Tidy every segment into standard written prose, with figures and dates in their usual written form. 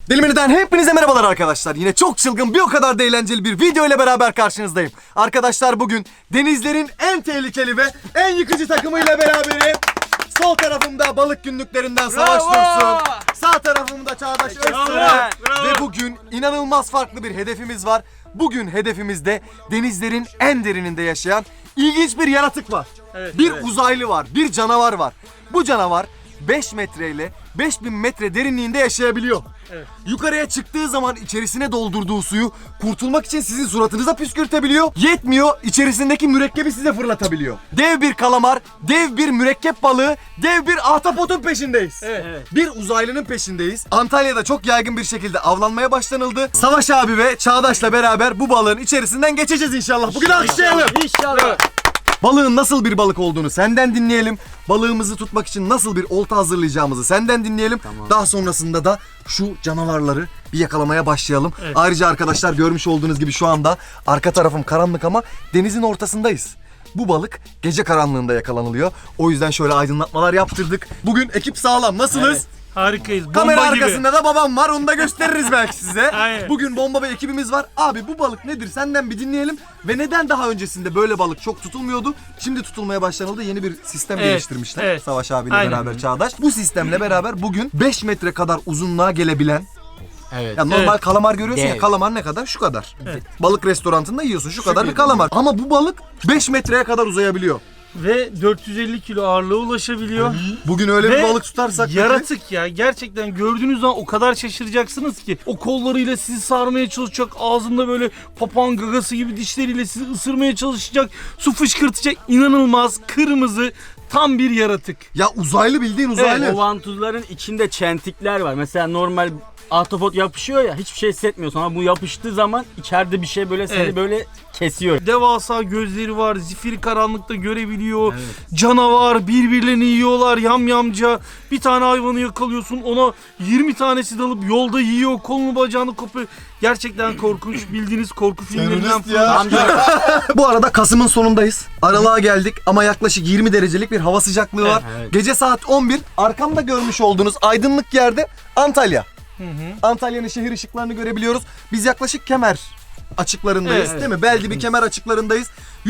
Dilimini'den hepinize merhabalar arkadaşlar. Yine çok çılgın bir o kadar da eğlenceli bir video ile beraber karşınızdayım. Arkadaşlar bugün denizlerin en tehlikeli ve en yıkıcı takımıyla beraberim. Sol tarafımda balık günlüklerinden Savaş Dursun. Sağ tarafımda Çağdaş Öztürk. Ve bugün inanılmaz farklı bir hedefimiz var. Bugün hedefimizde denizlerin en derininde yaşayan ilginç bir yaratık var. Bir uzaylı var, bir canavar var. Bu canavar 5 metre ile 5000 metre derinliğinde yaşayabiliyor. Yukarıya çıktığı zaman içerisine doldurduğu suyu kurtulmak için sizin suratınıza püskürtebiliyor. Yetmiyor, içerisindeki mürekkebi size fırlatabiliyor. Dev bir kalamar, dev bir mürekkep balığı, dev bir ahtapotun peşindeyiz. Bir uzaylının peşindeyiz. Antalya'da çok yaygın bir şekilde avlanmaya başlanıldı. Savaş abi ve Çağdaş'la beraber bu balığın içerisinden geçeceğiz inşallah. Bugün alkışlayalım. İnşallah. Balığın nasıl bir balık olduğunu senden dinleyelim. Balığımızı tutmak için nasıl bir olta hazırlayacağımızı senden dinleyelim. Daha sonrasında da şu canavarları bir yakalamaya başlayalım. Ayrıca arkadaşlar görmüş olduğunuz gibi şu anda arka tarafım karanlık ama denizin ortasındayız. Bu balık gece karanlığında yakalanılıyor. O yüzden şöyle aydınlatmalar yaptırdık. Bugün ekip sağlam. Nasılız? Harikayız. Bomba Kamera gibi. arkasında da babam var. Onu da gösteririz belki size. Aynen. Bugün bomba bir ekibimiz var. Abi bu balık nedir? Senden bir dinleyelim. Ve neden daha öncesinde böyle balık çok tutulmuyordu? Şimdi tutulmaya başlanıldı. Yeni bir sistem geliştirmişler. evet. Savaş abiyle Aynen. beraber Çağdaş. Bu sistemle beraber bugün 5 metre kadar uzunluğa gelebilen, Evet. ya normal kalamar görüyorsun ya, Dev. kalamar ne kadar? Şu kadar. Balık restorantında yiyorsun şu kadar bir kalamar. Ama bu balık 5 metreye kadar uzayabiliyor. Ve 450 kilo ağırlığa ulaşabiliyor. Bugün öyle Ve bir balık tutarsak yaratık ya. Gerçekten gördüğünüz zaman o kadar şaşıracaksınız ki. O kollarıyla sizi sarmaya çalışacak. Ağzında böyle papağan gagası gibi dişleriyle sizi ısırmaya çalışacak. Su fışkırtacak. İnanılmaz kırmızı tam bir yaratık. ya uzaylı, bildiğin uzaylı. O vantuzların içinde çentikler var. Mesela normal ahtapot yapışıyor ya, hiçbir şey hissetmiyorsun ama bu yapıştığı zaman içeride bir şey böyle seni böyle kesiyor. Devasa gözleri var. Zifiri karanlıkta görebiliyor. Canavar, birbirlerini yiyorlar yamyamca. Bir tane hayvanı yakalıyorsun, ona 20 tanesi dalıp yolda yiyor. Kolunu bacağını kopuyor. Gerçekten korkunç. Bildiğiniz korku filmlerinden falan. Bu arada Kasım'ın sonundayız. Aralığa geldik ama yaklaşık 20 derecelik bir hava sıcaklığı var. Evet. Gece saat 11. Arkamda görmüş olduğunuz aydınlık yerde Antalya. Antalya'nın şehir ışıklarını görebiliyoruz. Biz yaklaşık Kemer açıklarındayız, değil mi? Belli bir Kemer açıklarındayız.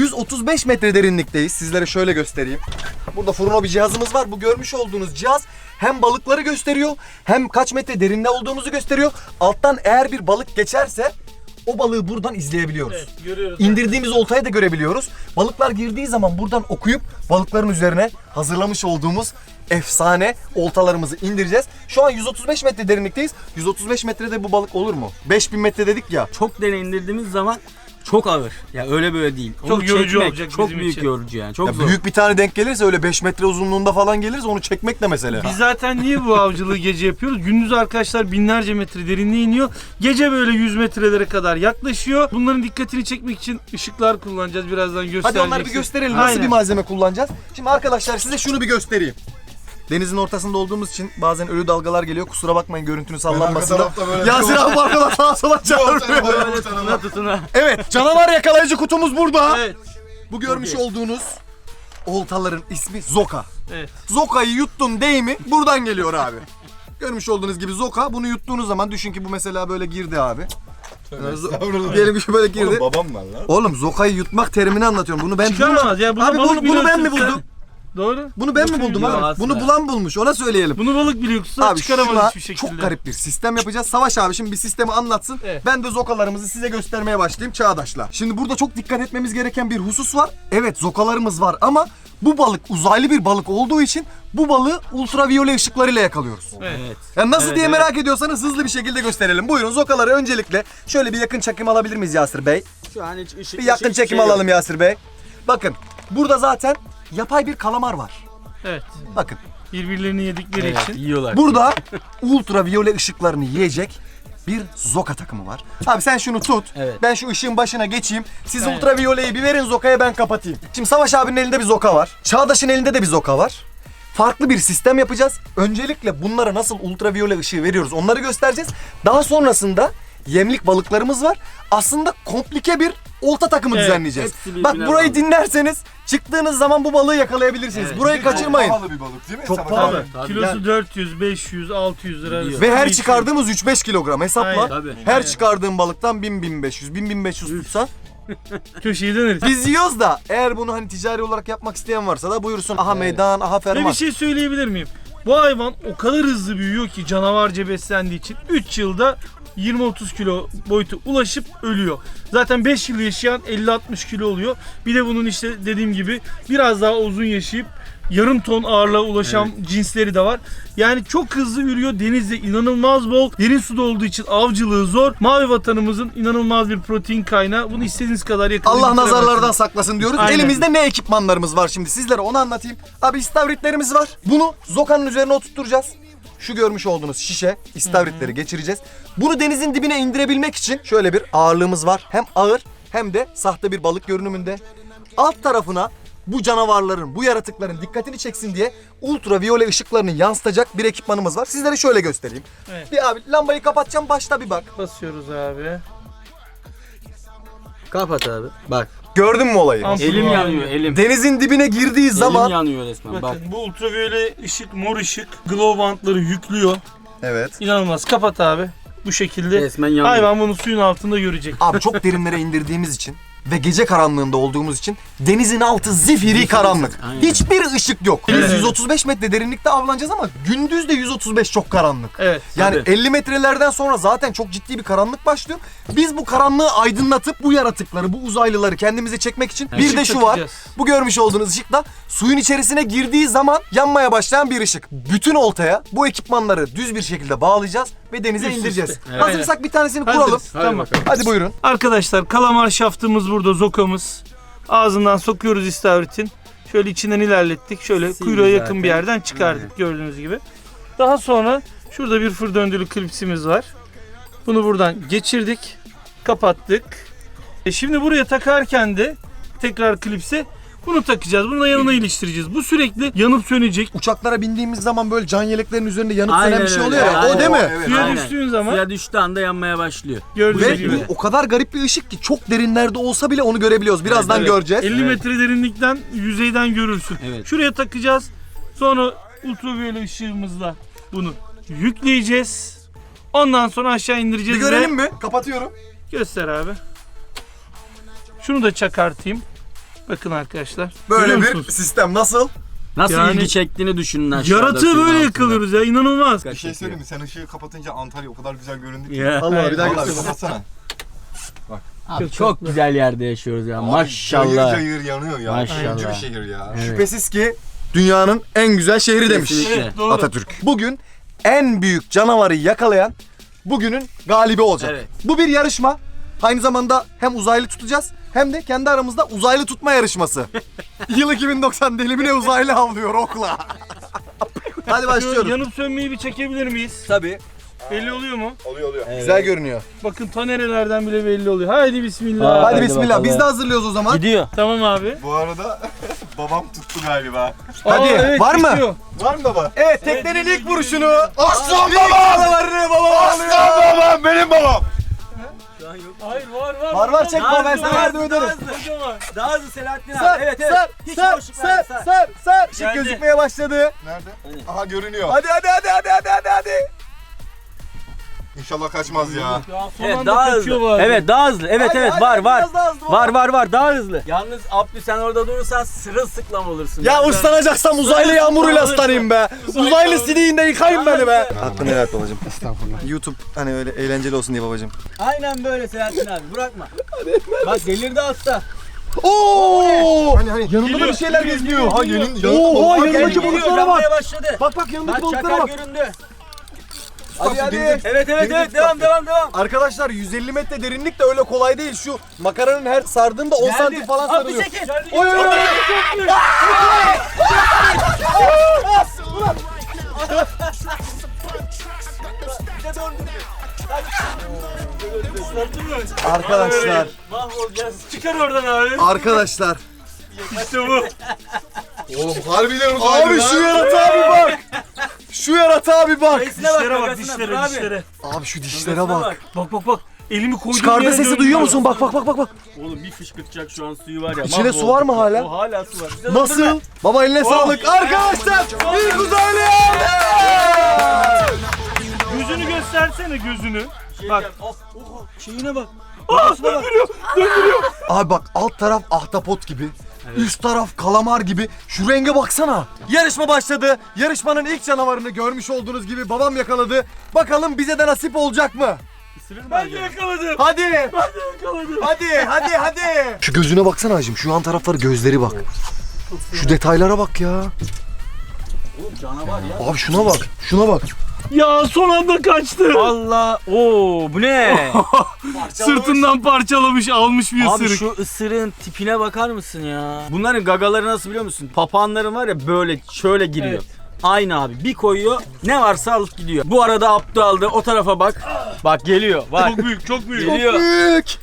135 metre derinlikteyiz. Sizlere şöyle göstereyim. Burada Furno bir cihazımız var. Bu görmüş olduğunuz cihaz hem balıkları gösteriyor hem kaç metre derinde olduğumuzu gösteriyor. Alttan eğer bir balık geçerse o balığı buradan izleyebiliyoruz. Görüyoruz. İndirdiğimiz oltayı da görebiliyoruz. Balıklar girdiği zaman buradan okuyup balıkların üzerine hazırlamış olduğumuz efsane oltalarımızı indireceğiz. Şu an 135 metre derinlikteyiz. 135 metrede bu balık olur mu? 5000 metre dedik ya. Çok dene indirdiğimiz zaman çok ağır. Ya öyle böyle değil. Onu Çok yorucu çekmek olacak çok bizim büyük için. yorucu yani. Çok Ya zor. büyük bir tane denk gelirse öyle 5 metre uzunluğunda falan gelirse onu çekmek de mesele. Biz zaten niye bu avcılığı gece yapıyoruz? Gündüz arkadaşlar binlerce metre derinliğe iniyor. Gece böyle 100 metrelere kadar yaklaşıyor. Bunların dikkatini çekmek için ışıklar kullanacağız. Birazdan göstereceğiz. Hadi onları bir gösterelim. Nasıl Aynen. bir malzeme kullanacağız? Şimdi arkadaşlar size şunu bir göstereyim. Denizin ortasında olduğumuz için bazen ölü dalgalar geliyor. Kusura bakmayın görüntünün sallanmasında. Yasir abi arkada sağa sola çağırıyor. Böyle tutuna tutuna. Evet, canavar yakalayıcı kutumuz burada. Evet. Bu görmüş olduğunuz oltaların ismi Zoka. Evet. Zoka'yı yuttun deyimi buradan geliyor abi. Görmüş olduğunuz gibi Zoka, bunu yuttuğunuz zaman düşün ki bu mesela böyle girdi abi. Diyelim ki böyle girdi. Oğlum babam var lan. Oğlum Zoka'yı yutmak terimini anlatıyorum. Bunu ben Çıkaramaz ya. Abi bunu ben mi biliyorsun buldum? sen. Doğru. Bunu ben mi buldum Yok, abi? aslında. Bunu bulan bulmuş. Ona söyleyelim. Bunu balık biliyor. Abi Çıkaramaz şuna hiçbir şekilde. çok garip bir sistem yapacağız. Savaş abi şimdi bir sistemi anlatsın. Evet. Ben de zokalarımızı size göstermeye başlayayım Çağdaş'la. Şimdi burada çok dikkat etmemiz gereken bir husus var. Evet, zokalarımız var ama bu balık uzaylı bir balık olduğu için bu balığı ultraviyole ışıklarıyla yakalıyoruz. Evet. Yani nasıl Evet, diye evet. merak ediyorsanız hızlı bir şekilde gösterelim. Buyurun zokaları öncelikle şöyle bir yakın çekim alabilir miyiz Yasir Bey? Şu an hiç ışık Bir yakın çekim alalım Yasir Bey. Bakın burada zaten yapay bir kalamar var. Evet. Bakın Birbirlerini yedikleri Evet, için. yiyorlar. burada ultraviyole ışıklarını yiyecek bir zoka takımı var. Abi sen şunu tut. Evet. Ben şu ışığın başına geçeyim. Siz Evet. ultraviyoleyi bir verin zokaya, ben kapatayım. Şimdi Savaş abinin elinde bir zoka var. Çağdaş'ın elinde de bir zoka var. Farklı bir sistem yapacağız. Öncelikle bunlara nasıl ultraviyole ışığı veriyoruz onları göstereceğiz. Daha sonrasında yemlik balıklarımız var. Aslında komplike bir olta takımı Evet, düzenleyeceğiz. hepsi birbirine Bak burayı bağlı. dinlerseniz Çıktığınız zaman bu balığı yakalayabilirsiniz. Evet. Burayı kaçırmayın. Pahalı bir balık değil mi? Çok Sabah pahalı. abi. Tabii. Kilosu Yani- 400, 500, 600 lira arası. Ve her değişiyor. çıkardığımız 3-5 kilogram hesapla. Aynen. Tabii. Her çıkardığım balıktan 1000-1500, 1000-1500 tutsan. Köşeyi döneriz. Biz yiyoruz da eğer bunu hani ticari olarak yapmak isteyen varsa da buyursun. Aha meydan, aha Ve ferman. bir şey söyleyebilir miyim? Bu hayvan o kadar hızlı büyüyor ki canavarca beslendiği için 3 yılda 20-30 kilo boyutu ulaşıp ölüyor. Zaten 5 yıl yaşayan 50-60 kilo oluyor. Bir de bunun işte dediğim gibi biraz daha uzun yaşayıp yarım ton ağırlığa ulaşan cinsleri de var. Yani çok hızlı ürüyor. Denizde inanılmaz bol. Derin suda olduğu için avcılığı zor. Mavi vatanımızın inanılmaz bir protein kaynağı. Bunu istediğiniz kadar yakalayın. Allah bitiremezsiniz. nazarlardan saklasın diyoruz. Aynen. Elimizde ne ekipmanlarımız var şimdi sizlere onu anlatayım. Abi istavritlerimiz var. Bunu zokanın üzerine oturtturacağız. Şu görmüş olduğunuz şişe istavritleri geçireceğiz. Bunu denizin dibine indirebilmek için şöyle bir ağırlığımız var. Hem ağır hem de sahte bir balık görünümünde. Alt tarafına bu canavarların, bu yaratıkların dikkatini çeksin diye ultraviyole ışıklarını yansıtacak bir ekipmanımız var. Sizlere şöyle göstereyim. Evet. Bir abi lambayı kapatacağım, başta bir bak. Basıyoruz abi. Kapat abi. Bak. Gördün mü olayı? Ampul Elim var. yanıyor elim. Denizin dibine girdiği zaman... Elim yanıyor resmen. Bak. Bakın bu ultraviyole ışık, mor ışık, glow bantları yüklüyor. Evet. İnanılmaz. Kapat abi. Bu şekilde Resmen yanıyor. hayvan bunu suyun altında görecek. Abi çok derinlere indirdiğimiz için ve gece karanlığında olduğumuz için denizin altı zifiri karanlık. Aynen. Hiçbir ışık yok. Biz Evet. 135 metre derinlikte avlanacağız ama gündüz de 135 çok karanlık. Evet. Yani Tabii. 50 metrelerden sonra zaten çok ciddi bir karanlık başlıyor. Biz bu karanlığı aydınlatıp bu yaratıkları, bu uzaylıları kendimize çekmek için bir de Işık şu var. takacağız. Bu görmüş olduğunuz ışık da suyun içerisine girdiği zaman yanmaya başlayan bir ışık. Bütün oltaya bu ekipmanları düz bir şekilde bağlayacağız ve denize Üst indireceğiz. üste. Evet. Hazırsak bir tanesini kuralım. Hazırız. Tamam. Hadi buyurun. Arkadaşlar kalamar şaftımız burada, zokamız. Ağzından sokuyoruz istavritin. Şöyle içinden ilerlettik. Şöyle Sildi kuyruğa yakın zaten. bir yerden çıkardık gördüğünüz gibi. Daha sonra şurada bir fır döndürü klipsimiz var. Bunu buradan geçirdik. Kapattık. Şimdi buraya takarken de tekrar klipse bunu takacağız. Bunu da yanına iliştireceğiz. Bu sürekli yanıp sönecek. Uçaklara bindiğimiz zaman böyle can yeleklerin üzerinde yanıp Aynen sönen bir şey öyle, oluyor ya. aynen. O değil mi? Evet. Suya Aynen. düştüğün zaman Suya düştüğü anda yanmaya başlıyor. gördüğünüz Ve gibi. bu o kadar garip bir ışık ki çok derinlerde olsa bile onu görebiliyoruz. Birazdan Evet. göreceğiz. 50 metre derinlikten yüzeyden görürsün. Evet. Şuraya takacağız. Sonra ultraviyole ışığımızla bunu yükleyeceğiz. Ondan sonra aşağı Bir indireceğiz görelim ve mi? Kapatıyorum. göster abi. Şunu da çakartayım. Bakın arkadaşlar. Böyle Görüyor bir musunuz? sistem nasıl? Nasıl Yani- ilgi çektiğini düşünün aşağıda. Yaratığı suyun böyle altında. yakalıyoruz ya, inanılmaz. Bir şey söyleyeyim mi? Sen ışığı kapatınca Antalya o kadar güzel göründü ki. Ya. Allah bir daha Vallahi göster. kapatsana. Abi çok güzel yerde yaşıyoruz ya. Abi Maşallah. Cayır cayır yanıyor ya. Maşallah. Üçüncü bir şehir ya. Evet. Şüphesiz ki dünyanın en güzel şehri demiş Kesinlikle. Evet, doğru. Atatürk. Bugün en büyük canavarı yakalayan bugünün galibi olacak. Evet. Bu bir yarışma. Aynı zamanda hem uzaylı tutacağız hem de kendi aramızda uzaylı tutma yarışması. Yıl 2090 delimine uzaylı avlıyor okla. Hadi Şu başlıyoruz. yanıp sönmeyi bir çekebilir miyiz? Tabii. Belli oluyor mu? Oluyor. Güzel görünüyor. Bakın ta nerelerden bile belli oluyor. Haydi bismillah. Hadi Hadi bismillah. bakalım. Biz de hazırlıyoruz o zaman. Gidiyor. Tamam abi. Bu arada babam tuttu galiba. Hadi, evet, var mı? bitiyor. Var mı baba? Evet, teknenin ilk vuruşunu. Aslan İlk babam! canavarını babam alıyor. Aslan babam! Benim babam! Hayır var. Var çekme, ben Daha sana hızlı, yardım ederim. Kocaman. Daha hızlı Selahattin abi. Sar, Evet evet. sar, Hiç sar, boşluk sar, verme, sar, sar. Işık Geldi. gözükmeye başladı. Nerede? Aha görünüyor. Hadi. İnşallah kaçmaz ya. Ya son Evet anda daha kaçıyor hızlı. bari. Evet daha hızlı. Evet Hadi, evet hadi, var var. biraz daha hızlı, Var daha hızlı. Yalnız Abdü sen orada durursan sırılsıklam olursun. Ya ıslanacaksam uzaylı yağmuruyla ıslanayım be. Uzaylı sidiğinde yıkayın beni be. Hakkını helal et babacım. Estağfurullah. YouTube hani öyle eğlenceli olsun diye babacım. Aynen böyle Selahattin abi bırakma. Bak delirdi hasta. Oo! Hani yanında da Geliyor, bir şeyler geliyor, geziniyor. geliyor, geliyor. Oo, Bak, yanındaki geliyor, balıklara bak. yanmaya başladı. Bak yanındaki Bak balıklara çakal bak. göründü. Hadi. Evet devam. Arkadaşlar 150 metre derinlik de öyle kolay değil. Şu makaranın her sardığında 10 santim falan Abdü sarıyor. çekil. Oy oy oy. Arkadaşlar, Mahvolacağız. Çıkar oradan abi. arkadaşlar. İşte bu. Oğlum harbiden uzaylı Abi lan. şu yaratığa bir bak. Şu yaratığa bir bak. Dişine bak, Dişlere bak, gagasına, dur dişlere, abi. dişlere. Abi şu dişlere bak. Bak. Elimi koydum. Çıkardığı sesi duyuyor musun? Bak. Oğlum bir fışkırtacak şu an suyu var ya. İçine mahvolduk. su var mı hala? O hala su var. Bize Nasıl? döndürme. Baba eline sağlık. Arkadaşlar bir uzaylı Gözünü göstersene gözünü. Bak. Şeyine bak. Döndürüyor. Abi bak alt taraf ahtapot gibi. Üst taraf kalamar gibi. Şu renge baksana. Yarışma başladı. Yarışmanın ilk canavarını görmüş olduğunuz gibi babam yakaladı. Bakalım bize de nasip olacak mı? Ben de yakaladım. Hadi. Ben de yakaladım. Hadi. Şu gözüne baksana hacım. Şu an tarafları gözleri bak. Şu detaylara bak ya. Canavar ya. Abi şuna bak. Ya son anda kaçtı. Allah. Oo bu ne? Sırtından parçalamış almış bir Abi ısırık. şu ısırığın tipine bakar mısın ya? Bunların gagaları nasıl biliyor musun? Papağanların var ya böyle şöyle giriyor. Evet. Aynı abi. Bir koyuyor ne varsa alıp gidiyor. Bu arada Abdü aldı. O tarafa bak. Bak geliyor. Bak. Çok büyük çok büyük. Geliyor. Büyük.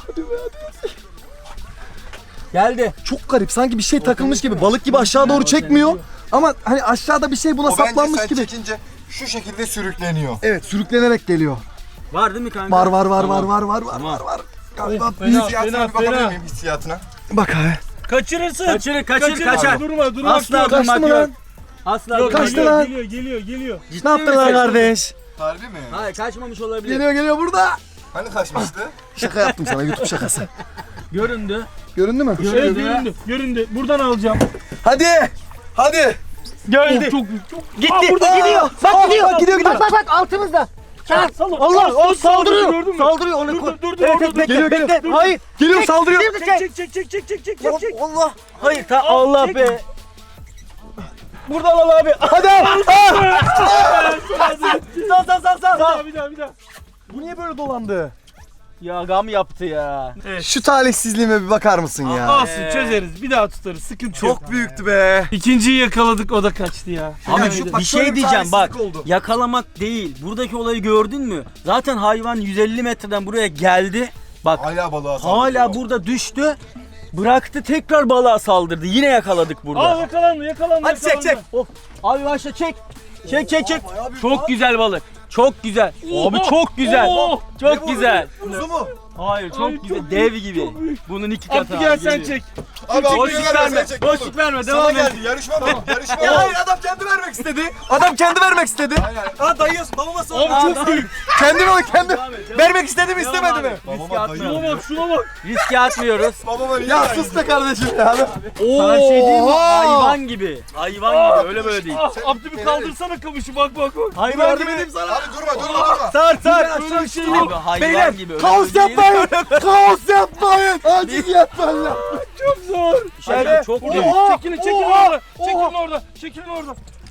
Geldi. Çok garip. Sanki bir şey takılmış gibi. Balık gibi aşağı doğru çekmiyor. Ama hani aşağıda bir şey buna O bence saplanmış sen gibi. çekince şu şekilde sürükleniyor. Evet, sürüklenerek geliyor. Var değil mi kanka? Var. Tamam. Galiba Fena, büyük. Hissiyatına bir bakabilir fena. miyim hissiyatına? Bak abi. Kaçırırsın. Kaçır kaçar. Durma. Asla Yok, durmak Kaçtı mı yok. lan? Asla Yok, durmak Kaçtı yok. lan. Geliyor. Ciddi Ne yaptılar misin? kardeş? Harbi mi? Hayır kaçmamış olabilir. Geliyor burada. Hani kaçmıştı? Şaka yaptım sana, YouTube şakası. Göründü. Göründü mü? Evet göründü. Buradan alacağım. Hadi. Geldi. Çok büyük. Gitti. burada gidiyor. Bak gidiyor. Bak altımızda. Allah o saldırıyor. Gördün mü? Saldırıyor onu koy. Dur. Geliyor. Hayır. Geliyor, saldırıyor. Çek. Allah. Hayır Allah be. Buradan al abi. Hadi. Sal. Bir daha. Bu niye böyle dolandı? Ya gam yaptı ya. Şu talihsizliğime bir bakar mısın ya? Olsun çözeriz. Bir daha tutarız. Sıkıntı yok. Çok büyüktü be. İkinciyi yakaladık o da kaçtı ya. Abi Yani bak bir şöyle şey bir diyeceğim bak. talihsizlik oldu. Yakalamak değil. Buradaki olayı gördün mü? Zaten hayvan 150 metreden buraya geldi. Bak Hala balığa saldırıyor. hala burada düştü. Bıraktı tekrar balığa saldırdı. Yine yakaladık burada. Aa yakalandı. Hadi çek. Of. Abi başla çek. Çek. Çok güzel balık. Çok güzel. Abi çok güzel. Oo. Çok güzel. Kuzu mu? Hayır çok Ay, güzel. çok Dev büyük, gibi. çok büyük. Bunun iki katı. Abdü gel abi, sen geliyor. çek. Abi Boşluk verme. Boşluk verme. Sana Devam et. geldi. Yarışma bu. Yarışma Ya bu. hayır, adam kendi vermek istedi. Adam kendi vermek istedi. Ha dayıyorsun, babama sor. Abi çok büyük. Kendi Devam et. vermek istedi mi Devam istemedi abi. mi? Riske Babama atmıyoruz. Şuna bak. Riske atmıyoruz. Babama niye Ya verdin? sus be kardeşim ya. Sana bir şey diyeyim mi? Oha! Hayvan gibi. Hayvan gibi. Öyle böyle değil. Abdü bir kaldırsana kamışı bak. Hayvan Yardım gibi. edeyim sana. Abi durma. Sar. Böyle bir şey Abi yok. hayvan Beyler gibi. Öyle kaos böyle değil. yapmayın. Kaos yapmayın. Acil yapmayın lan. Çok zor. Şaka çok büyük. Çekilin Oha! orada. Çekilin orada.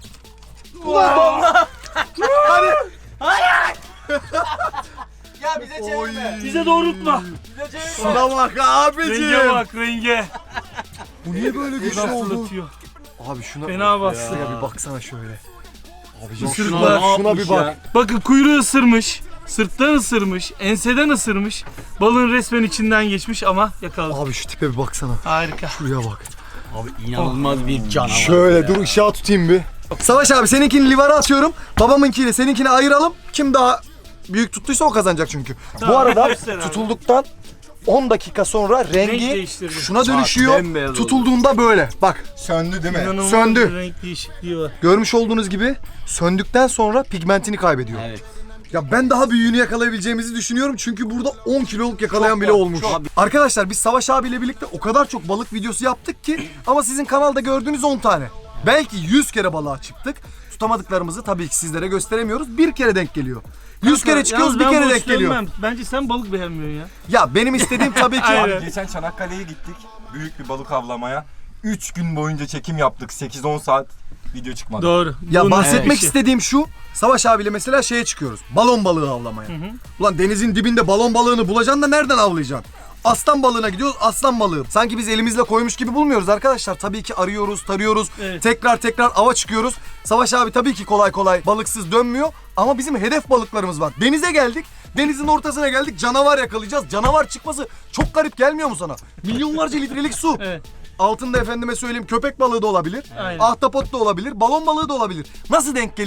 Ya bize çevirme. Bize doğrultma. Şuna bak abicim. Renge bak renge. Bu niye böyle güçlü Nasıl oldu? atıyor. Abi şuna Fena bastı. ya bir baksana şöyle. Abicim Isırıklar. şuna bir bak. Bakın kuyruğu ısırmış. Sırttan ısırmış. Enseden ısırmış. Balığın resmen içinden geçmiş ama yakaladı. Abi şu tipe bir baksana. Harika. Şuraya bak. Abi inanılmaz bir canavar. Şöyle dur ışığa tutayım bir. Savaş abi seninkini livara atıyorum. Babamınkiyle seninkini ayıralım. Kim daha büyük tuttuysa o kazanacak çünkü. Bu arada göster abi. tutulduktan 10 dakika sonra rengi değiştirdi. şuna dönüşüyor. bembeyaz oldu. Tutulduğunda böyle. Bak Söndü değil mi? İnanılmaz Söndü. bir renk değişikliği var. görmüş olduğunuz gibi söndükten sonra pigmentini kaybediyor. Evet. Ya ben daha büyüğünü yakalayabileceğimizi düşünüyorum çünkü burada 10 kiloluk yakalayan bile olmuş. Arkadaşlar biz Savaş abiyle birlikte o kadar çok balık videosu yaptık ki ama sizin kanalda gördüğünüz 10 tane. Belki 100 kere balığa çıktık. Tutamadıklarımızı tabii ki sizlere gösteremiyoruz. Bir kere denk geliyor. 100 kere çıkıyoruz, Yalnız bir ben kere boş denk geliyor. dönmem. Bence sen balık beğenmiyorsun ya. Ya benim istediğim tabii ki Aynen. Geçen Çanakkale'ye gittik. Büyük bir balık avlamaya. 3 gün boyunca çekim yaptık. 8-10 saat video çıkmadı. Doğru. ya Bunun bahsetmek işi. istediğim şu. Savaş abiyle mesela şeye çıkıyoruz. Balon balığı avlamaya. Ulan denizin dibinde balon balığını bulacaksın da nereden avlayacaksın? Aslan balığına gidiyoruz, aslan balığı. Sanki biz elimizle koymuş gibi bulmuyoruz arkadaşlar. Tabii ki arıyoruz, tarıyoruz. Evet. Tekrar ava çıkıyoruz. Savaş abi tabii ki kolay kolay balıksız dönmüyor. Ama bizim hedef balıklarımız var. Denize geldik. Denizin ortasına geldik. Canavar yakalayacağız. Canavar çıkması çok garip gelmiyor mu sana? Milyonlarca litrelik su. Evet. Altında efendime söyleyeyim köpek balığı da olabilir. Aynen. Ahtapot da olabilir. Balon balığı da olabilir. Nasıl denk geliyor?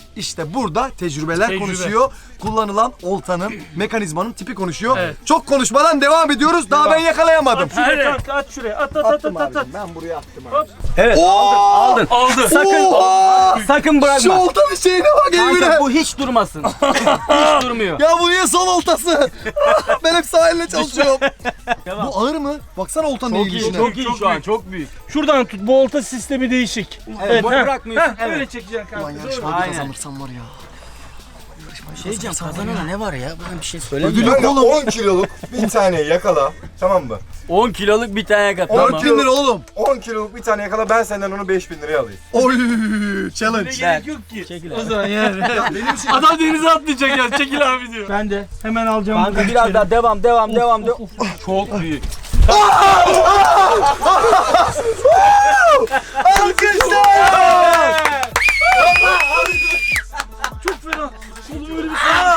İşte burada tecrübeler Tecrübe. konuşuyor. Kullanılan oltanın, mekanizmanın tipi konuşuyor. Evet. Çok konuşmadan devam ediyoruz. Daha ben yakalayamadım. Şuraya kanka, at şuraya. At at at at at. Ben buraya attım abi. Evet. Oo! Aldın. Aldı. Sakın Şu bırakma. oltanın şeyine bak Emre. Kanka bu hiç durmasın. Hiç durmuyor. Ya bu niye sol oltası? Ben hep sahille çalışıyorum. Devam. Bu ağır mı? Baksana oltanın Çok iyi, eğilişine. çok iyi Çok şu an, büyük. çok büyük. Şuradan tut. Bu olta sistemi değişik. Evet, heh. bırakmıyorsun. Heh, öyle Evet. çekeceksin Ulan kanka. yarışmayı Aynen. kazanırsam var ya. Şey diyeceğim, kazanana ne var ya? Bana bir şey söylemiyor. Ödül yok Kanka oğlum. 10 kiloluk bir tane yakala. Tamam mı? 10 kiloluk bir tane kat. 4 bin lira oğlum. 10 kiloluk bir tane yakala, ben senden onu 5000 liraya alayım. Oy Ne challenge. gerek yok ki. Çekil O abi. zaman yani. Adam denize atlayacak ya. Çekil abi diyor. Ben de. Hemen alacağım. Kanka biraz daha devam. Çok büyük. Çok fena. Oğlum öyle bir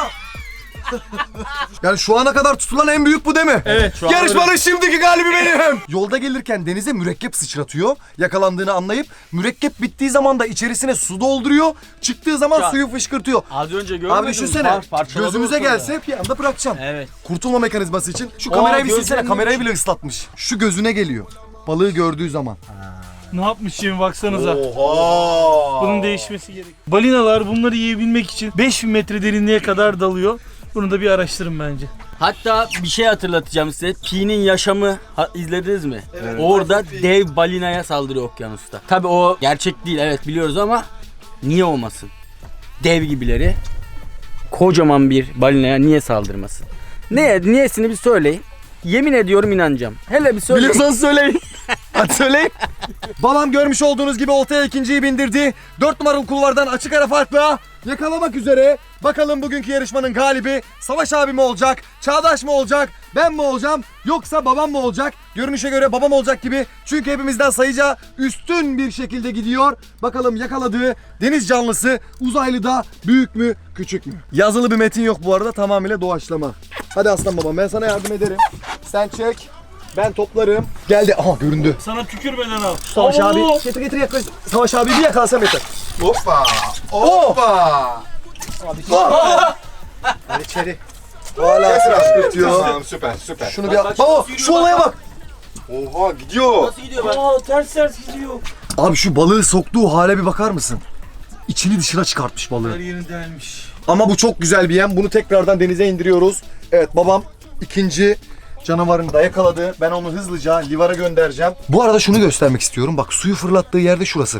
Yani şu ana kadar tutulan en büyük bu değil mi? Evet. Şu an Yarışmanın şimdiki galibi benim. Yolda gelirken denize mürekkep sıçratıyor. Yakalandığını anlayıp mürekkep bittiği zaman da içerisine su dolduruyor. Çıktığı zaman Şu an- suyu fışkırtıyor. Az önce görmedin Abi mi? düşünsene Parçaladı gözümüze ortalığı. gelse bir anda bırakacağım. Evet. Kurtulma mekanizması için. Şu kamerayı bir silsene, gözlerinin kamerayı bile ıslatmış. Şu gözüne geliyor. Balığı gördüğü zaman. Ne yapmış şimdi baksanıza. Oha! Bunun değişmesi gerek. Balinalar bunları yiyebilmek için 5000 metre derinliğe kadar dalıyor. Bunu da bir araştırın bence. Hatta bir şey hatırlatacağım size. Pi'nin yaşamı izlediniz mi? Orada dev balinaya saldırıyor okyanusta. Tabii o gerçek değil, evet biliyoruz ama niye olmasın? Dev gibileri kocaman bir balinaya niye saldırmasın? Niyesini bir söyleyin. Yemin ediyorum inanacağım. Hele bir söyleyin. Biliyorsanız söyleyin. Hadi söyleyin. Babam görmüş olduğunuz gibi oltaya ikinciyi bindirdi. 4 numaralı kulvardan açık ara farkla yakalamak üzere. Bakalım bugünkü yarışmanın galibi Savaş abi mi olacak? Çağdaş mı olacak? Ben mi olacağım? Yoksa babam mı olacak? Görünüşe göre babam olacak gibi. Çünkü hepimizden sayıca üstün bir şekilde gidiyor. Bakalım yakaladığı deniz canlısı uzaylı da büyük mü küçük mü? Yazılı bir metin yok bu arada, tamamıyla doğaçlama. Hadi aslan babam, ben sana yardım ederim. Sen çek. Ben toplarım. Geldi. Aha göründü. Sana tükürmeden al. Savaş Oo! abi. Getir yaklaş. Savaş abi bir yakalasam yeter. Hoppa! Hoppa! Hadi içeri. Hala sıkıştırıyor. Tamam, süper. Şunu bir baba şu olaya bak. Oha, gidiyor. Nasıl gidiyor bak? Aa, ters gidiyor. Abi şu balığı soktuğu hale bir bakar mısın? İçini dışına çıkartmış Her balığı. yerini delmiş. Ama bu çok güzel bir yem. Bunu tekrardan denize indiriyoruz. Evet babam ikinci canavarını da yakaladı. Ben onu hızlıca livara göndereceğim. Bu arada şunu göstermek istiyorum. Bak suyu fırlattığı yerde şurası.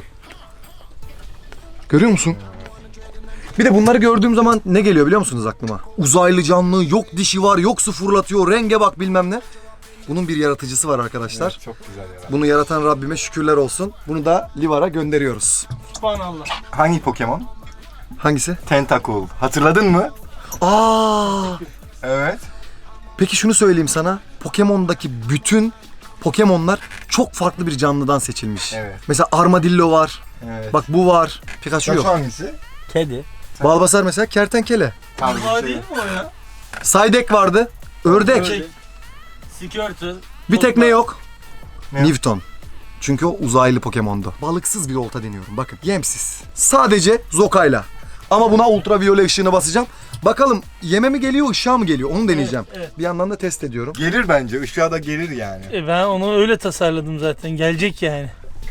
Görüyor musun? Bir de bunları gördüğüm zaman ne geliyor biliyor musunuz aklıma? Uzaylı canlı, yok dişi var, yok su fırlatıyor, renge bak bilmem ne. Bunun bir yaratıcısı var arkadaşlar. Çok güzel ya. Bunu yaratan Rabbime şükürler olsun. Bunu da livara gönderiyoruz. Subhanallah. Hangi Pokemon? Hangisi? Tentacool. Hatırladın mı? Aa! Evet. Peki şunu söyleyeyim sana. Pokemon'daki bütün Pokemon'lar çok farklı bir canlıdan seçilmiş. Evet. Mesela Armadillo var. Evet. Bak bu var. Pikachu Şu yok. hangisi? Kedi. Balbasar mesela kertenkele. Tam Aa, değil mi o ya? Saydek vardı. Ördek. Squirtle. Bir tek ne yok? Ne? Newton. Çünkü o uzaylı Pokemon'du. Balıksız bir olta deniyorum. Bakın yemsiz. Sadece zokayla. Ama buna ultraviyole ışığını basacağım. Bakalım yeme mi geliyor, ışığa mı geliyor? Onu deneyeceğim. Evet. Bir yandan da test ediyorum. Gelir bence. Işığa da gelir yani. Ben onu öyle tasarladım zaten. Gelecek yani.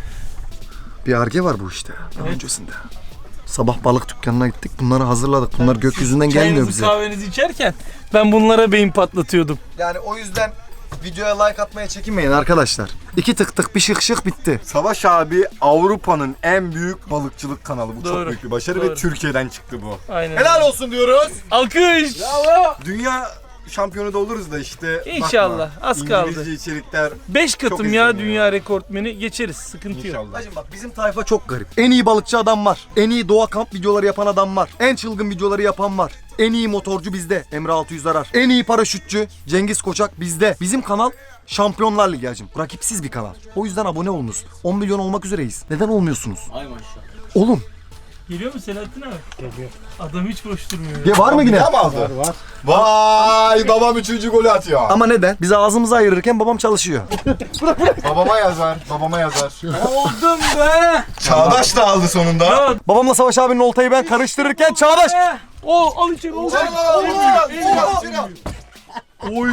Bir arge var bu işte. Daha öncesinde. Sabah balık dükkanına gittik. Bunları hazırladık. Bunlar gökyüzünden gelmiyor Çayınızı bize. kahvenizi içerken ben bunlara beyin patlatıyordum. Yani o yüzden videoya like atmaya çekinmeyin arkadaşlar. 2 tık tık bir şık şık bitti. Savaş abi Avrupa'nın en büyük balıkçılık kanalı. Bu Doğru. çok büyük bir başarı Doğru. ve Türkiye'den çıktı bu. Aynen. Helal olsun diyoruz. Alkış. Dünya şampiyonu da oluruz da işte. İnşallah, bakma, az kaldı. İngilizce içerikler 5 katım Çok ya izleniyor. dünya rekortmeni geçeriz. Sıkıntı yok. inşallah. Hacım bak bizim tayfa çok garip. En iyi balıkçı adam var. En iyi doğa kamp videoları yapan adam var. En çılgın videoları yapan var. En iyi motorcu bizde. Emre 600 arar. En iyi paraşütçü Cengiz Koçak bizde. Bizim kanal Şampiyonlar Ligi hacım. Rakipsiz bir kanal. O yüzden abone olunuz. 10 milyon olmak üzereyiz. Neden olmuyorsunuz? Ay maşallah. Olun. Geliyor mu Selahattin abi? Geliyor. Adam hiç boş durmuyor. Ya var mı yine? Tam aldı. Var. Vay babam 3. golü atıyor. Ama neden? Biz ağzımızı ayırırken babam çalışıyor. Babama yazar. Babama yazar. Oldum be. Çağdaş da aldı sonunda. Babamla Savaş abinin oltayı ben karıştırırken Çağdaş. O al içeri. Oy.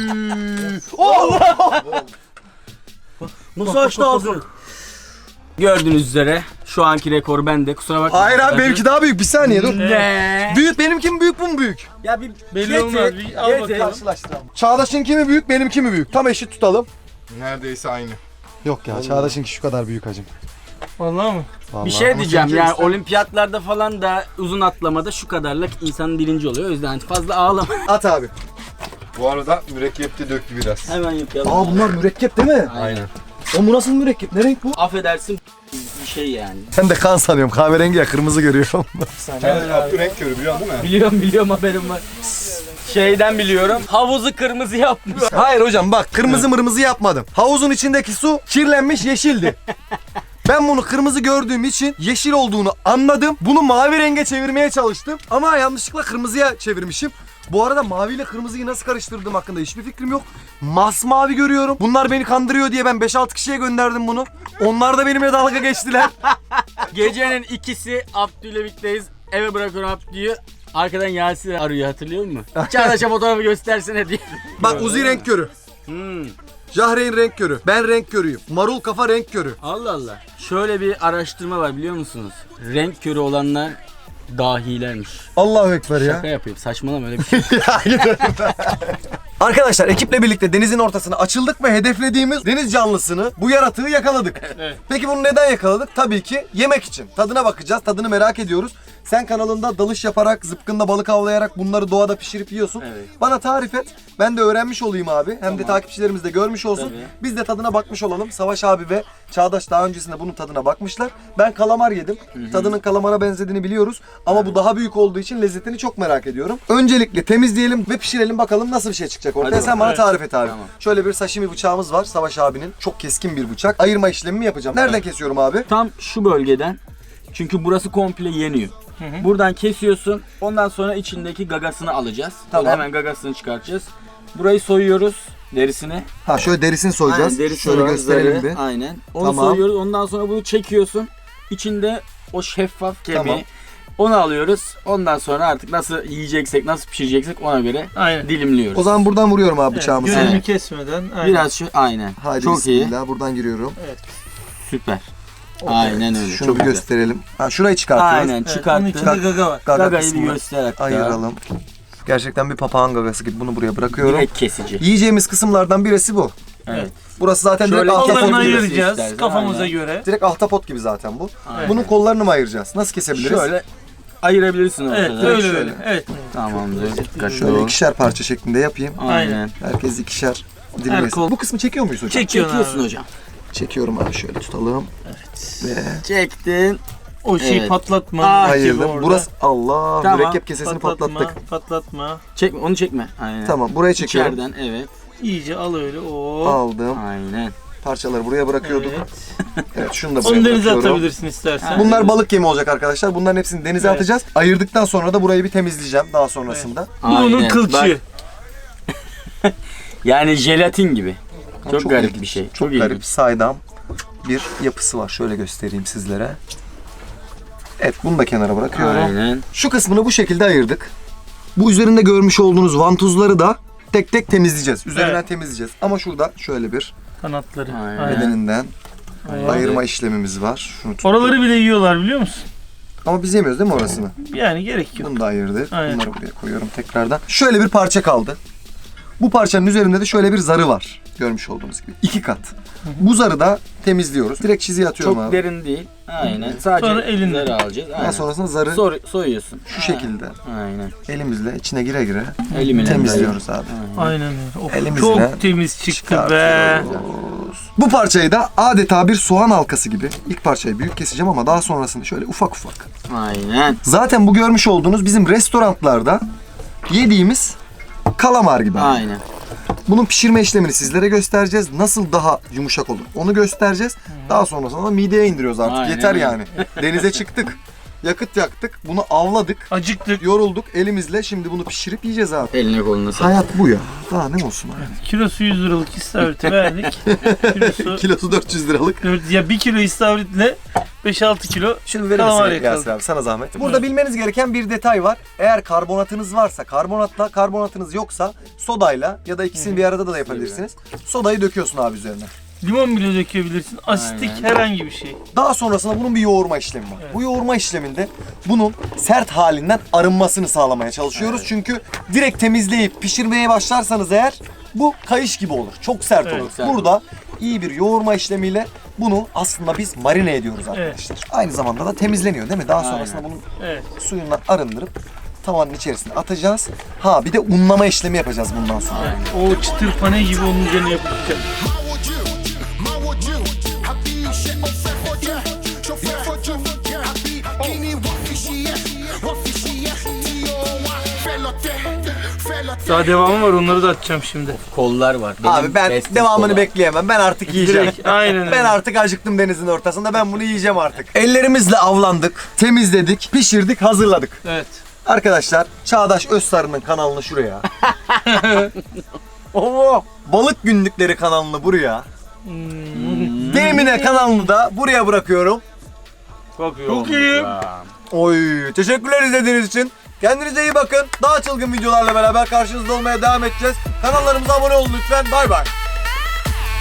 Nasıl açtı ağzını? Gördüğünüz üzere şu anki rekor bende. Kusura bakmayın. Hayır abi benimki daha büyük. Bir saniye dur. Ne? Büyük benimki mi büyük bu mu büyük? Ya bir Belli olmaz. Bir al bakalım. Çağdaş'ınki mi büyük benimki mi büyük? Tam eşit tutalım. Neredeyse aynı. Yok ya Çağdaş'ınki şu kadar büyük hacım. Vallahi mı? Vallahi. Bir şey diyeceğim seninki yani işte. olimpiyatlarda falan da uzun atlamada şu kadarlık insan birinci oluyor. O yüzden fazla ağlama. At abi. Bu arada mürekkepte döktü biraz. Hemen yapalım. Aa bunlar mürekkep değil mi? Aynen. O bu nasıl mürekkep? Ne renk bu? Affedersin bir şey yani. Ben de kan sanıyorum. Kahverengi ya kırmızı görüyorum. Evet, Abdü renk körü biliyorsun değil mi? Biliyorum haberim var. Şeyden biliyorum. Havuzu kırmızı yapmış. Hayır hocam bak kırmızı mırmızı yapmadım. Havuzun içindeki su kirlenmiş yeşildi. Ben bunu kırmızı gördüğüm için yeşil olduğunu anladım. Bunu mavi renge çevirmeye çalıştım. Ama yanlışlıkla kırmızıya çevirmişim. Bu arada mavi ile kırmızıyı nasıl karıştırdığım hakkında hiçbir fikrim yok. Masmavi görüyorum. Bunlar beni kandırıyor diye ben 5-6 kişiye gönderdim bunu. Onlar da benimle dalga geçtiler. Gecenin ikisi Abdü'yle birlikteyiz. Eve bırakıyorum Abdü'yü. Arkadan Yasin arıyor hatırlıyor musun? Çağdaş'a fotoğrafı göstersene diye. Bak Uzi renk körü. Jahreyn renk körü. Ben renk körüyüm. Marul kafa renk körü. Allah Allah. Şöyle bir araştırma var biliyor musunuz? Renk körü olanlar dahilermiş. Allahu Ekber ya. Şaka yapayım. Saçmalama öyle bir şey. Arkadaşlar ekiple birlikte denizin ortasına açıldık ve hedeflediğimiz deniz canlısını, bu yaratığı yakaladık. Evet. Peki bunu neden yakaladık? Tabii ki yemek için. Tadına bakacağız, tadını merak ediyoruz. Sen kanalında dalış yaparak, zıpkında balık avlayarak bunları doğada pişirip yiyorsun. Evet. Bana tarif et. Ben de öğrenmiş olayım abi. Hem de takipçilerimiz de görmüş olsun. Tabii. Biz de tadına bakmış olalım. Savaş abi ve Çağdaş daha öncesinde bunun tadına bakmışlar. Ben kalamar yedim. Tadının kalamara benzediğini biliyoruz. Ama bu daha büyük olduğu için lezzetini çok merak ediyorum. Öncelikle temizleyelim ve pişirelim bakalım nasıl bir şey çıkacak ortaya. Hadi Sen bana bakalım. tarif et abi. Tamam. Şöyle bir sashimi bıçağımız var Savaş abinin. Çok keskin bir bıçak. Ayırma işlemimi yapacağım. Nereden kesiyorum abi? Tam şu bölgeden. Çünkü burası komple yeniyor. Buradan kesiyorsun. Ondan sonra içindeki gagasını alacağız. Tamam. Hemen gagasını çıkartacağız. Burayı soyuyoruz derisini. Ha şöyle derisini soyacağız. Aynen, derisi Şöyle var, gösterelim zarı. bir. Aynen. Onu Tamam. soyuyoruz. Ondan sonra bunu çekiyorsun. İçinde o şeffaf kemiği. Tamam. Onu alıyoruz. Ondan sonra artık nasıl yiyeceksek, nasıl pişireceksek ona göre Aynen. dilimliyoruz. O zaman buradan vuruyorum abi bıçağımızı. Gönlümü Evet. kesmeden. Aynen. Biraz şu aynen. Haydi Çok iyi. bismillah buradan giriyorum. Süper. Aynen öyle. Şunu Çok bir güzel. gösterelim. Ha şurayı çıkartıyoruz. Aynen Evet, onun çıkarttın. içinde gaga var. Gaga Gagayı bir kısmını göster hatta. ayıralım. Gerçekten bir papağan gagası gibi bunu buraya bırakıyorum. Direkt kesici. Yiyeceğimiz kısımlardan birisi bu. Evet. Burası zaten Şöyle direkt Kollarını ahtapot gibi. ayıracağız istersen, kafamıza aynen. göre. Direkt ahtapot gibi zaten bu. Aynen. Bunun kollarını mı ayıracağız? Nasıl kesebiliriz? Şöyle ayırabilirsin Evet ortada. öyle şöyle. öyle. Evet. Tamamdır. Dikkatli Şöyle ol. ikişer parça şeklinde yapayım. Aynen. Herkes ikişer dilim Her yesin. kol- Bu kısmı çekiyor muyuz hocam? Çekiyorsun Çekiyorsun abi. hocam. Çekiyorum abi şöyle tutalım. Ve Çektin. O şeyi Evet. patlatma. Ah, gibi ayırdım. orada. Burası Allah Tamam. mürekkep kesesini patlattık. Patlatma. Çekme, onu çekme. Aynen. Tamam buraya çekiyorum. İçeriden evet. İyice al öyle. Oo. Aldım. Aynen. Parçaları buraya bırakıyorduk. Evet. Evet şunu da buraya Onu denize bırakıyorum. atabilirsin istersen. Bunlar balık yemi olacak arkadaşlar. Bunların hepsini denize Evet. atacağız. Ayırdıktan sonra da burayı bir temizleyeceğim daha sonrasında. Bu onun Aynen. kılçığı. Bak, yani jelatin gibi. Çok, Çok garip ilginç. bir şey. Çok ilginç. garip saydam bir yapısı var. Şöyle göstereyim sizlere. Evet bunu da kenara bırakıyorum. Aynen. Şu kısmını bu şekilde ayırdık. Bu üzerinde görmüş olduğunuz vantuzları da tek tek temizleyeceğiz. Üzerinden Evet. temizleyeceğiz. Ama şurada şöyle bir Kanatları. Aynen. Aynen. bedeninden Aynen. ayırma işlemimiz var. Şunu tuttum. Oraları bile yiyorlar biliyor musun? Ama biz yemiyoruz değil mi orasını? Yani gerek yok. Bunu da ayırdık. Aynen. Bunları buraya koyuyorum tekrardan. Şöyle bir parça kaldı. Bu parçanın üzerinde de şöyle bir zarı var. Görmüş olduğunuz gibi. 2 kat. Bu zarı da temizliyoruz. Direkt çiziye atıyorum Çok abi. derin değil. Aynen. Sadece Sonra elinle. zarı alacağız. Daha Aynen. sonrasında zarı Soyuyorsun. şu şekilde Aynen. elimizle içine gire gire Elimle temizliyoruz abi. Aynen öyle. Of, Elimizle çok temiz çıktı be. Bu parçayı da adeta bir soğan halkası gibi. İlk parçayı büyük keseceğim ama daha sonrasında şöyle ufak ufak. Aynen. Zaten bu görmüş olduğunuz bizim restoranlarda yediğimiz kalamar gibi. Aynen. Bunun pişirme işlemini sizlere göstereceğiz. Nasıl daha yumuşak olur onu göstereceğiz. Daha sonrasında da mideye indiriyoruz artık. Aynen Yeter öyle. yani. Denize çıktık. yakıt yaktık, bunu avladık, Acıktık. yorulduk elimizle. Şimdi bunu pişirip yiyeceğiz abi. Eline koluna sağlık. Hayat bu ya. Daha ne olsun abi. Kilosu 100 liralık istavriti verdik. Kilosu Kilosu 400 liralık. ya 1 kilo istavritle 5-6 kilo Şunu verir kalamar misin Yasir yakaladık. abi, sana zahmet. Burada bilmeniz gereken bir detay var. Eğer karbonatınız varsa karbonatla, karbonatınız yoksa sodayla ya da ikisini bir arada da yapabilirsiniz. Sodayı döküyorsun abi üzerine. Limon bile dökebilirsin. Asitlik herhangi bir şey. Daha sonrasında bunun bir yoğurma işlemi var. Evet. Bu yoğurma işleminde bunun sert halinden arınmasını sağlamaya çalışıyoruz. Çünkü direkt temizleyip pişirmeye başlarsanız eğer bu kayış gibi olur. Çok sert Evet, olur. sert Burada iyi bir yoğurma işlemiyle bunu aslında biz marine ediyoruz arkadaşlar. Aynı zamanda da temizleniyor değil mi? Daha sonrasında bunun Evet. suyundan arındırıp tavanın içerisine atacağız. Ha bir de unlama işlemi yapacağız bundan sonra. O çıtır pane gibi onun üzerine yapacağım. Daha devamı var, onları da atacağım şimdi. Kollar var. Benim Abi ben bestim devamını kola. bekleyemem. Ben artık yiyeceğim. Direkt, aynen öyle. Ben artık acıktım denizin ortasında. Ben bunu yiyeceğim artık. Ellerimizle avlandık, temizledik, pişirdik, hazırladık. Evet. Arkadaşlar Çağdaş Özsarı'nın kanalını şuraya. Oo, Balık Günlükleri kanalını buraya. Demine kanalını da buraya bırakıyorum. Çok iyi. Çok olmuş iyi. ya. Oy, teşekkürler izlediğiniz için. Kendinize iyi bakın. Daha çılgın videolarla beraber karşınızda olmaya devam edeceğiz. Kanallarımıza abone olun lütfen. Bay bay.